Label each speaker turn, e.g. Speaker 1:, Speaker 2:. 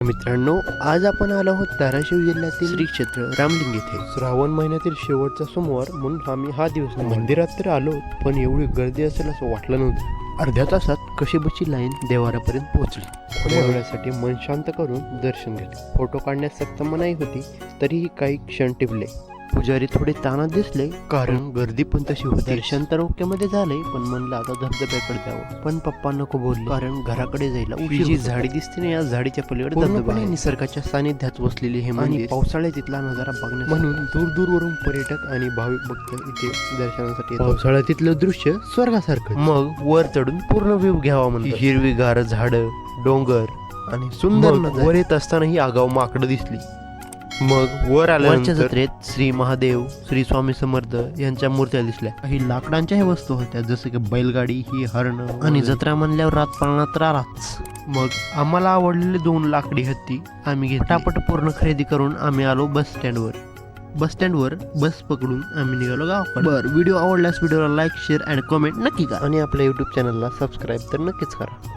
Speaker 1: मित्रांनो, आज आपण आलो आहोत धाराशिव जिल्ह्यातील श्री क्षेत्र रामलिंग येथे. श्रावण महिन्यातील शेवटचा सोमवार म्हणून आम्ही हा दिवस मंदिरात तर आलो, पण एवढी गर्दी असेल असं वाटलं नव्हतं. अर्ध्या तासात कशीबशी लाईन देवारापर्यंत पोहोचली. थोड्या वेळासाठी मन शांत करून दर्शन घेतले. फोटो काढण्यास सक्त मनाई होती, तरीही काही क्षण टिपले. पुजारी थोडे तानात दिसले, कारण गर्दी पण तशी होती. दर्शन तर ओकेमध्ये झाले, पण म्हणलं आता धबधब्याकडे जावं. पण पप्पा नको बोलले, कारण घराकडे जायला जी झाडी दिसते ना, या झाडीच्या पलीकडे धबधबा आहे. निसर्गाच्या सानिध्यात वसलेले हे मंदिर, पावसाळ्यात तिथला नजारा बघण्यास म्हणून दूर दूरवरून पर्यटक आणि भाविक भक्त इथे दर्शनासाठी येतात. पावसाळ्यात तिथलं दृश्य स्वर्गासारखं. मग वर चढून पूर्ण व्ह्यू घ्यावा म्हणून हिरवीगार झाडं, डोंगर आणि सुंदर नजारा. वर येत असताना ही आगाव माकडं दिसली. मग वर आल्यानंतर जत्रेत श्री महादेव, श्री स्वामी समर्थ यांच्या मूर्त्या दिसल्या. काही लाकडांच्या वस्तू होत्या, जसं की बैलगाडी, ही हरण, आणि जत्रा म्हणल्यावर रात पाळणात राहाच. मग आम्हाला आवडलेले 2 लाकडी हत्ती आम्ही घेतली. पटापट पूर्ण खरेदी करून आम्ही आलो बस स्टँडवर बस पकडून आम्ही निघालो गावाकडे. व्हिडिओ आवडल्यास व्हिडिओला लाईक, शेअर अँड कमेंट नक्की करा, आणि आपल्या युट्यूब चॅनलला सबस्क्राईब तर नक्कीच करा.